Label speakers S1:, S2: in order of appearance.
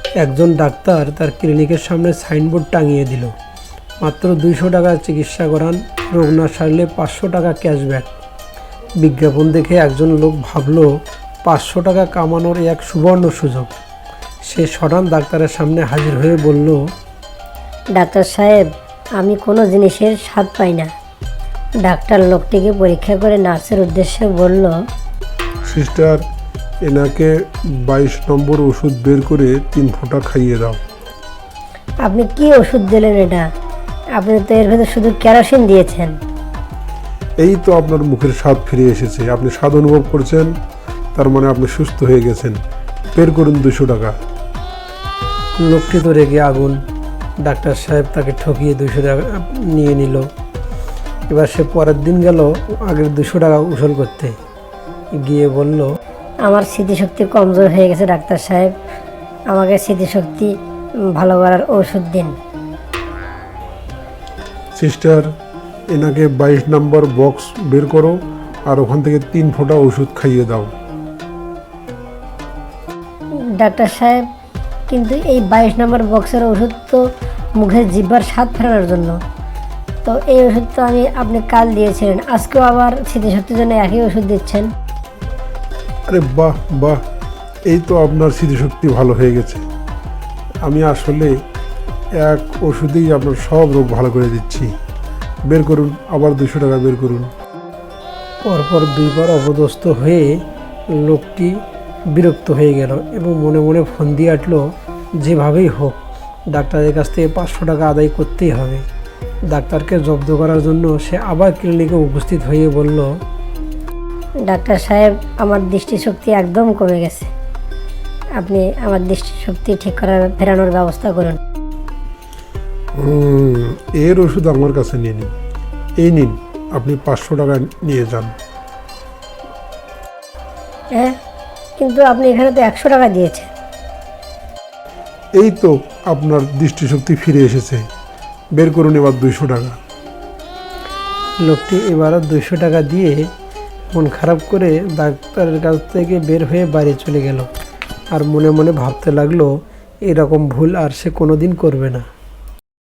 S1: একজন ডাক্তার তার ক্লিনিকের সামনে সাইনবোর্ড টাঙিয়ে দিল, মাত্র 200 টাকা চিকিৎসা করান, রোগ না সারলে 500 টাকা ক্যাশব্যাক। বিজ্ঞাপন দেখে একজন লোক ভাবল 500 টাকা কামানোর এক সুবর্ণ সুযোগ। সে সটান ডাক্তারের সামনে হাজির হয়ে বলল,
S2: ডাক্তার সাহেব, আমি কোনো জিনিসের স্বাদ পাই না। ডাক্তার লোকটিকে পরীক্ষা করে নার্সের উদ্দেশ্যে বলল,
S3: সিস্টার, এনাকে 22 নম্বর ওষুধ বের করে 3 ফোঁটা খাইয়ে দাও।
S2: আপনি কি ওষুধ দিলেন এটা? আপনি তো এর ভেতর শুধু কেরোসিন দিয়েছেন।
S3: এই তো আপনার মুখের স্বাদ ফিরে এসেছে, আপনি স্বাদ অনুভব করছেন, তার মানে আপনি সুস্থ হয়ে গেছেন। বের করুন 200 টাকা।
S1: লোকটি তো রেগে আগুন। ডাক্তার সাহেব তাকে ঠকিয়ে 200 টাকা নিয়ে নিল। এবার সে পরের দিন গেল আগের 200 টাকা উসুল করতে গিয়ে বলল,
S2: আমার স্মৃতিশক্তি কমজোর হয়ে গেছে ডাক্তার সাহেব, আমাকে স্মৃতিশক্তি ভালো করার ওষুধ দিন।
S3: সিস্টার, এনাকে 22 নম্বর বক্স বের করো আর ওখান থেকে 3 ফোঁটা ওষুধ খাইয়ে দাও।
S2: ডাক্তার সাহেব, কিন্তু এই 22 নম্বর বক্সের ওষুধ তো মুখের জিহ্বার স্বাদ ফেরানোর জন্য। তো এই ওষুধ তো আপনি কাল দিয়েছিলেন, আজকেও আবার স্মৃতিশক্তির জন্য একই ওষুধ দিচ্ছেন।
S3: আরে বাহ বাহ, এই তো আপনার স্মৃতিশক্তি ভালো হয়ে গেছে। আমি আসলে এক ওষুধেই আপনার সব রোগ ভালো করে দিচ্ছি। বের করুন, আবার 200 টাকা বের করুন।
S1: পরপর 2বার অপদস্থ হয়ে লোকটি বিরক্ত হয়ে গেল এবং মনে মনে ফোন দিয়ে আটল, যেভাবেই হোক ডাক্তারের কাছ থেকে 500 টাকা আদায় করতেই হবে। ডাক্তারকে জব্দ করার জন্য সে আবার ক্লিনিকে উপস্থিত হয়ে বলল,
S2: ডাক্তার সাহেব, আমার দৃষ্টিশক্তি একদম কমে গেছে, আপনি আমার দৃষ্টিশক্তি ঠিক করার ফেরানোর ব্যবস্থা করুন।
S3: এর ওষুধ আমার কাছে নিয়ে নিন। এই নিন, আপনি 500 টাকা নিয়ে যান।
S2: হ্যাঁ, কিন্তু আপনি এখানে তো 100 টাকা দিয়েছেন।
S3: এই তো আপনার দৃষ্টিশক্তি ফিরে এসেছে। বের করুন এবার 200 টাকা।
S1: লোকটি এবারও 200 টাকা দিয়ে মন খারাপ করে ডাক্তারের কাছ থেকে বের হয়ে বাড়ি চলে গেল আর মনে মনে ভাবতে লাগলো, এরকম ভুল আর সে কোনোদিন করবে না।